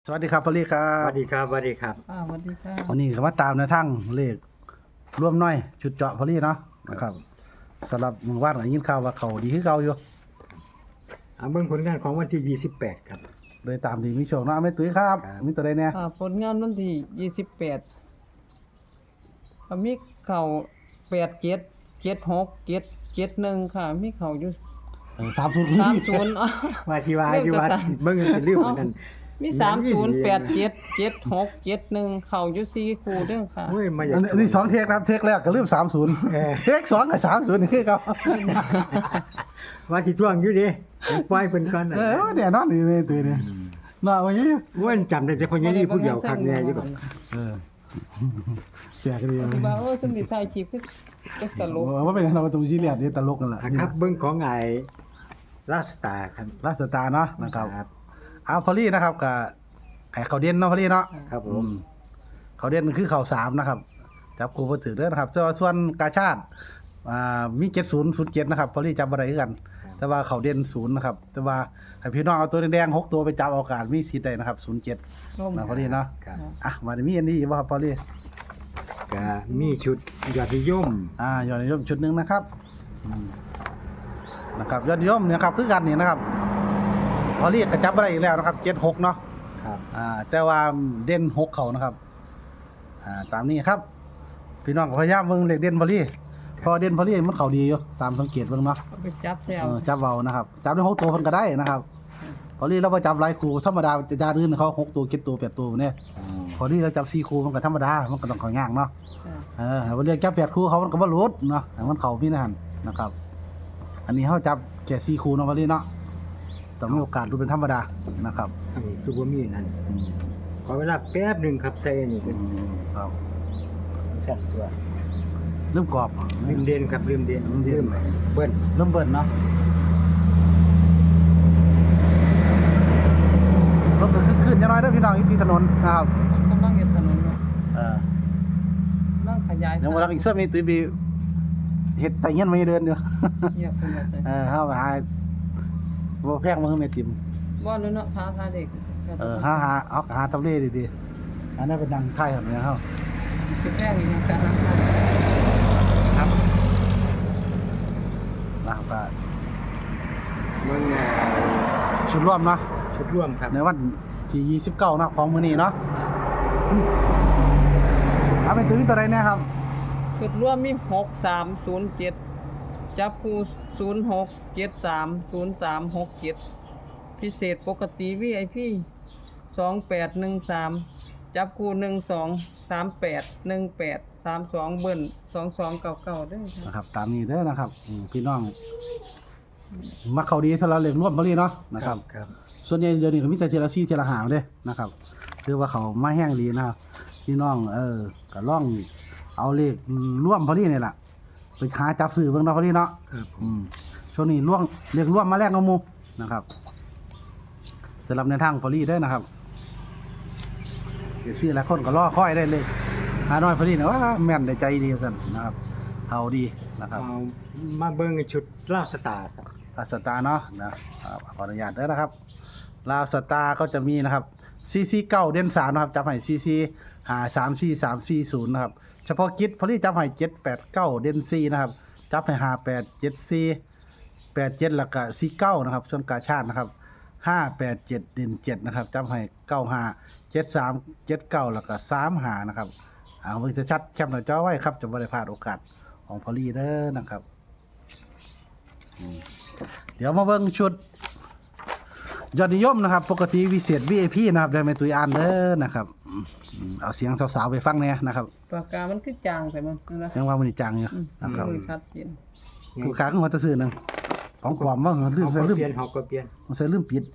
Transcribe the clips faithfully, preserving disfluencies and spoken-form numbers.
สวัสดีครับพอลลี่ครัสวับสดีครับสวัสดีครับอ่าสวัสดีค่ะวันนี้ก็มาตามในทั้งเลขร่วมน้อยชุดเจาะพอลลี่เนาะนะครับสำหรับมือวาดได้ยินข่าวว่าเขาดีขึ้นเก่าอยู่เอาเบิ่งผลงานของวันที่ยี่สิบแปดครับโดยตามดีมีโชคเนาะไม่ตุ้ยครับครับมีตัวใดเนี่ยอ่าผลงานวันที่ยี่สิบแปดก็มีเข่าแปดเจ็ดเจ็ดหกเจ็ดเจ็ดหนึ่งค่ะ มีเข่าอยู่สามศูนย์สามศูนย์ว่าที่ว่าเริ่มที่ว่าจะสั่นเบิ่งเป็นเรื่องเหมือนกันมีสามศูนย์แปดเจ็ดเจ็ดหกเจ็ดหนึ่งเข่าอยู่สี่คู่เด้อค่ะเฮ้ยมาอยาอักนนี้อันนี้สองเทคนะครับเทคแรกก็ลืมสามศูนย์เออเทคสองกับสามศูนย์นี่คือเขาว่าสิท่วงอยู่ดิปล่อยเพิ่นก่อนน่ะเออเนี่ยนอนนี่เลยตัวนี้เนาะวันนี้เว้นจำได้แต่คนยังนี่ผู้เดียวคักแน่อยู่ดอกเออแจกกันดีที่ว่าโอ้สมดิถ่ายคลิปคือคือตลกว่าเป็นเราตัวซีเรียสนี่ตลกนั่นแหละอ่ะครับเบิ่งของไอ้ลาสตาร์ครับลาสตาร์เนาะนะครับเอาพอลลี่นะครับกับไข่เขาเด่นเนาะพอลลี่เนาะครับผอืมมเขาเด่นคือเขาสามนะครับจับครูมาถือเด้อนะครับแต่ว่าส่วนกาชาติอ่ามีเจ็ดศูนย์ศูนย์เจ็ดนะครับพอลี่จับอะไรคือกัน แต่ว่าเขาเด่นศูนย์นะครับ แต่ว่าให้พี่น้องเอาตัวแดงๆหกตัวไปจับเอาการมีสิทธิ์ได้นะครับศูนย์เจ็ดร่มนะพอลี่เนาะครับอ่ะมาได้มีอันนี้ว่าครับพอลี่ก็มีชุดยอดนิยมอ่ายอดนิยมชุดหนึ่งนะครับอืมนะครับยอดนิยมเนี่ยครับคือกันนี่นะครับพอลี่ก็จับอะไรอีกแล้วนะครับเจ็ดหกเนาะครับอ่าแต่ว่าเด่นหกเขานะครับอ่าตามนี้ครับ พี่น้องก็พยายามเบิ่งเลขเด่นพอลี่พอเด่นพอลี่มันเขาดีอยู่ตามสังเกตเบิ่งเนาะเอาไปจับแซวเออจับเบานะครับจับได้หกตัวเพิ่นก็ได้นะครับพอลี่เราไปจับหลายคู่ธรรมดาจะจานอื่นเขาหกตัวเจ็ดตัวแปดตัวเนี่ยอืมพอลี่เราจับสี่คู่มันก็ธรรมดามันก็ต้องเขายากเนาะจ้ะเออวันเรียกจับแปดคู่เขามันก็บ่หลุดเนาะให้มันเข้าพี่นั่นนะครับ อันนี้เขาจับแค่สี่คู่เนาะพอลี่เนาะต้องมีโอกาสดูเป็นธรรมดานะครับอันนี้คือบ่มีนั่นอืมขอเวลาแป๊บหนึงครับใส่นี่อืเป็นมครับสั่นตัวเริ่มกรอบลืมเด่นครับลืมเด่นลืมเด่นเบิ้ลเริ่มเบิ่นเนาะรถก็ขึ้นๆจะน้อยเด้อพี่น้องอีกทีถนนนะครับกำลังเฮ็ดถนนเนาะเออกำลังขยายเดี๋ยววันหลังอีกส่วนมีตุ้ยบีเฮ็ดไตเงี้ยนไม่เดินอยู่เงียบไปหมดเลยเออเฮาหาบ่แพงมือแม่ติ่มบ่เลยเนาะท้าทายเด็กเออหาหาเอาหาตำเลดีๆอันนั้นเป็นดังไทยครับเนี่ยเฮาสิแพงอีกอย่างซะนะครับนะครับก็เมืองอ่าชุดร่วมเนาะชุดร่วมครับในวันที่ยี่สิบเก้าเนาะของมื้อนี้เนาะเอาเป็นตุ้ยตัวใดเนี่ยครับจุดร่วมมีหกสามศูนย์เจ็ดจับคู่ศูนย์หกเจ็ดสามศูนย์สามหกเจ็ดพิเศษปกติ วี ไอ พี สองแปดหนึ่งสามจับคู่หนึ่งสองสามแปดหนึ่งแปดสามสองเบิ้ลสองสองเก่าเก่าๆเด้วยค่ะนะครับตามนี้เด้อนะครับอืมพี่น้องมักเขาดีถ้าเราเล่นร่วมบ่ลีเนาะนะครับครับส่วนใหญ่เดี๋ยวนี้ก็มีแต่เทยละซี่เทยละหางเด้นะครับคือว่าเขามาแห้งดีนะครับพี่น้องเออก็ล่องเอาเลขร่วมพอดีนี่แหละไปหาจับสื่อเบิ่งเนาะพอดีเนาะครับผอืมมช่วงนี้ร่วงเลขร่วมมาแรกเอาหมูนะครับสำหรับในทางพอดีเด้อนะครับเดี๋ยวซื้อหลายคนก็รอคอยได้เลยหาน้อยพอดีนะว่าแม่นได้ใจดีกันนะครับเอาดีนะครับเอามาเบิ่งชุดลาวสตาร์ครับลาวสตาร์เนาะนะครับขออนุญาตเด้อนะครับลาวสตาร์ก็จะมีนะครับซีซีเก้าเด่นสามนะครับจับให้ซีซีหาสามซีสามซีศูนย์นะครับเฉพาะกิจพอดีจับให้เจ็ดแปดเก้าเด่นซีนะครับจับให้หาแปดเจ็ดซีแปดเจ็ดแล้วก็ซีเก้านะครับส่วนกาชาตินะครับห้าแปดเจ็ดเด่นเจ็ดนะครับจับให้เก้าห้าเจ็ดสามเจ็ดเก้าแล้วก็สามหานะครับเอาเบิ่งชัดๆแคปหน้าจอไว้ครับจะไม่ได้พลาดโอกาสของพอลีเด้อนะครับอืมเดี๋ยวมาเบิ่งชุดยอดนิยมนะครับปกติวิเศษ วี ไอ พี นะครับได้ไหมตุยอ่านเด้อนะครับอืมอืมเอาเสียงสาวๆไปฟังเนี่ยนะครับปากกามันคือจางไปมันนะยังว่ามันนี่จังอยู่อืมนะครับมือชัดเจนกูค้างหัวตะซื้อหนึงของปลอมว่าลืมเอาใส่ก็ลืมเปลี่ยนเฮาก็เปลี่ยนใส่ลืมปิด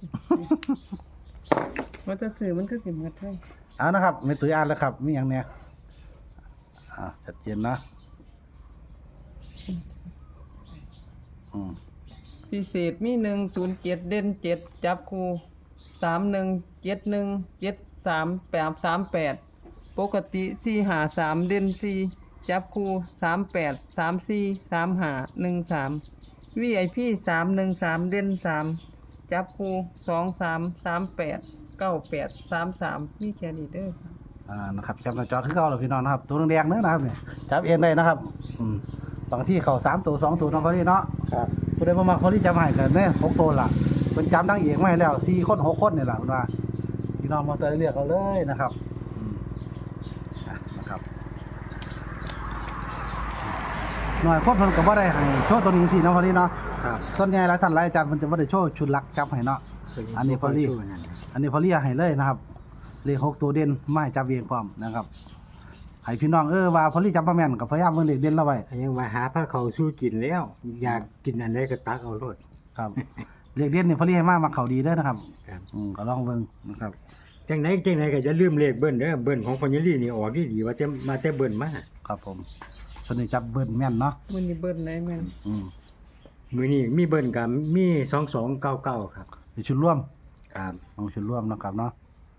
ว่าจะสื่อมันคือสิหมดเลยเอานะครับไม่ตุยอ่านแล้วครับมีอย่างเนี้ยอ่าชัดเจนนะอืมพิเศษมีหนึ่งศูนย์เจ็ดเด่นเจ็ดจับคู่สามหนึ่งเจ็ดหนึ่งเจ็ดสามแปดสามแปดปกติสี่หาสามเด่นสี่จับคู่สามแปดสามสี่สามหาหนึ่งสามวีไอพีสามหนึ่งสามเด่นสามจับคู่สองสามสามแปดเก้าแปดสามสามมีแค่นี้เด้อค่ะอ่านะครับแคปหน้าจอคือเก่าแล้วพี่น้องนะครับตัวแดงๆเด้อนะครับเนี่ยจับเองได้นะครับอืมบางที่เข้าสามตัวสองตัวน้องพอลี่เนาะครับผู้ใดบ่มักพอลี่จำให้กันเนี่ยหกตัวล่ะเพิ่นจำทั้งเอกมาให้แล้วสี่คนหกคนนี่ล่ะเพิ่นว่าพี่น้องมาเตยเลือกเอาเลยนะครับอืมอ่ะนะครับหน่อยคนเพิ่นก็บ่ได้ให้โชว์ตัวนี้สิเนาะพอลี่เนาะครับส่วนใหญ่หลายท่านหลายอาจารย์เพิ่นจะบ่ได้โชว์ชุดหลักจับให้เนาะ อันนี้พอลี่ อันนี้พอลี่ให้เลยนะครับเลขหกตัวเด่นมาให้จับเองพร้อมนะครับให้พี่น้องเออว่าพอลี่จำบ่แม่นก็พยายามเบิ่งเลขเด่นเราไว้ยังมาหาพระเขาสู้กินแล้ว อยากกินอันใดก็ตักเอาโลดครับ เลขเด่นนี่พอลี่ให้มามาเข้าดีเด้อนะครับครับอืมก็ลองเบิ่งนะครับจังไหนจังไหนก็จะลืมเลขเบิ้ลเด้อเบิ้ลของพญาลีนี่ออกดีดีๆว่าจะมาแต่เบิ้ลมาครับผมส่วนนี้จับเบิ้ลแม่นเนาะมื้อนี้เบิ่นได้แม่นอืมมื้อนี้มีเบิ้ลกับมีสองสองเก้าเก้าครับเป็นชุดร่วมครับของชุดร่วมเนาะครับเนาะ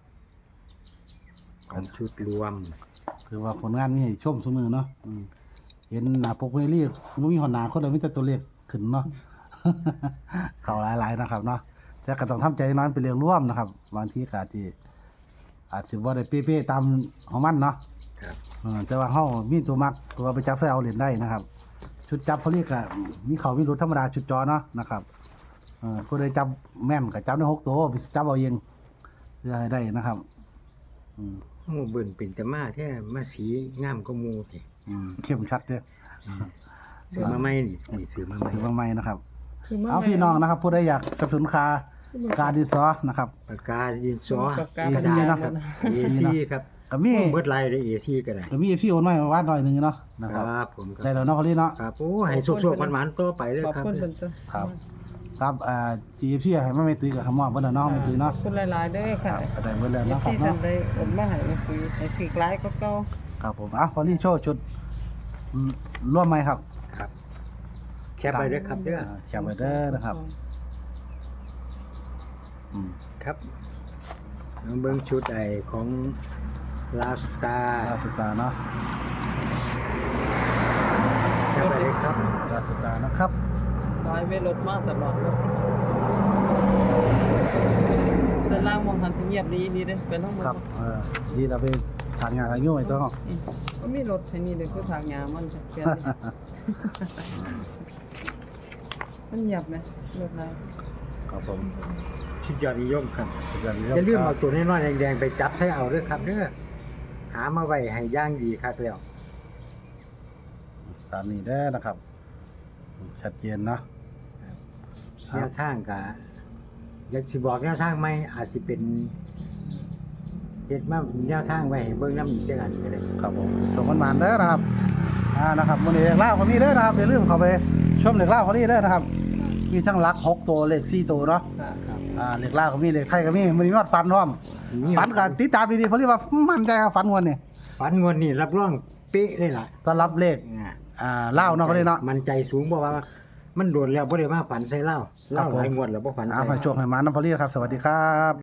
ของชุดรวมคือว่าผลงานนี่ให้ชมซุมือเนาะอืมเห็นหน้าปกเวลี่บ่มีหอนหน้าคนเลยมีแต่ตัวเลขขึ้นเนาะ เข้าหลายๆนะครับเนาะแต่ก็ต้องทำใจน้อยเป็นเรื่องร่วมนะครับบางทีก็อาจสิอาจสิบ่ได้เป๊ะๆตามของมันเนาะครับเออแต่ว่าเฮามีตัวมักตัวไปจับใส่เอาเหรียญได้นะครับ ชุดจับเขาเรียกก็มีเขามีรถธรรมดาชุดจอเนาะนะครับเออผู้ใดจับแม่นก็จับได้หกตัวไปจับเอาเองเพื่อให้ได้นะครับ อืมโอ้เบิ้ลเป็นแต่มาแท้มาสีงามกว่าหมู่นี่อืมเข้มชัดเด้อซื้อมาใหม่นี่นี่ซื้อมาใหม่ถือว่าใหม่นะครับคือมาเอาพี่น้องนะครับ ผู้ใดอยากสนับสนุนคาการดินสอนะครับปากกาดินสอปากกาเอกระซีดาษเนาะมันเอซีครับก็มีโอ้เบิดลายเลยเอซีก็ได้ก็มีพี่โอนน้อยมาวัดหน่อยหนึงเนาะนะคครับรับผมคได้รับแล้วเนาะพอลี่เนาะครับโอ้ให้สุกๆหวานๆต่อไปเลยขอบครับคุณเพิ่นจ้ะครับ ครับอ่า จี เอฟ ซี ให้มาไม่ตื้อกับคำมอบเบิ่นแล้วเนาะไม่ตื้อขเนาะอบคุณหลายๆเด้อคค่ะรับก็ได้เบิ่นแล้วเอเนาะฟครัซีบท่าเนาะนใดโอนมาให้มาคุยให้ถือหลายก็เก่าครับผมอ่ะพอลี่โชว์ชุดอืมร่วมไหมครับครับแคปไปเด้อครับเด้ออ่าแคปไว้เด้อนะครับอืมครับน้องเบิ้งชุดไอของลาสตาลาสตาร์เนาะแคปไปเลยครับลาสตาร์นะครับลอยไว้รถมาตลอดเลยแต่ล่างมองหันสิเงียบดีดีเด้อไปน้องครับเออดีเราไปทานงานทางยุ่งไอ้ตัวเนาะอืมก็มีรถให้นี่เด้อคือทางยามันจะเปลี่ยนดิมันเงียบไหมรถอะไรครับผมชุดยอดนิยมครับสุดยอดอย่าลืมเอาตัวน้อยๆแดงๆไปจับใส่เอาเด้อครับเด้อหามาไว้ให้ย่างดีครับแล้วตามนี้เด้อนะครับ ชัดเจนเนาะแนวทางก็อยากสิบอกแนวทางไหมอาจสิเป็นเฮ็ดมาแนวทางไว้ให้เบิ่งนำอีกจังอันก็ได้ครับผมชมมันมันๆเด้อนะครับ อ่านะครับวันนี้เด็กเล่าคนนี้เด้อนะครับอย่าลืมเข้าไปชมเด็กเล่าคนนี้เด้อนะครับ มีทั้งหลักหกตัวเลขสี่ตัวเนาะครับอ่าเลขเล่าก็มีเลขไทยก็มีมันมียอดฟันพร้อมฟันกันติดตามดีๆเพราะเรียกว่ามั่นใจครับฟันงวนนี่ฝันงวดนี้รับรองเป๊ะเลยล่ะต้อนรับเลขอ่าอ่าเล่าเนาะเขาเรียกเนาะมันใจสูงเพราะว่า มันโดนแล้วบ่ได้มาฝันใส่เหล้าเหล้าครับผมหลายงวดแล้วบ่ฝันเอาใส่ให้โชคให้มาน้ำพอลี่ครับ สวัสดีครับ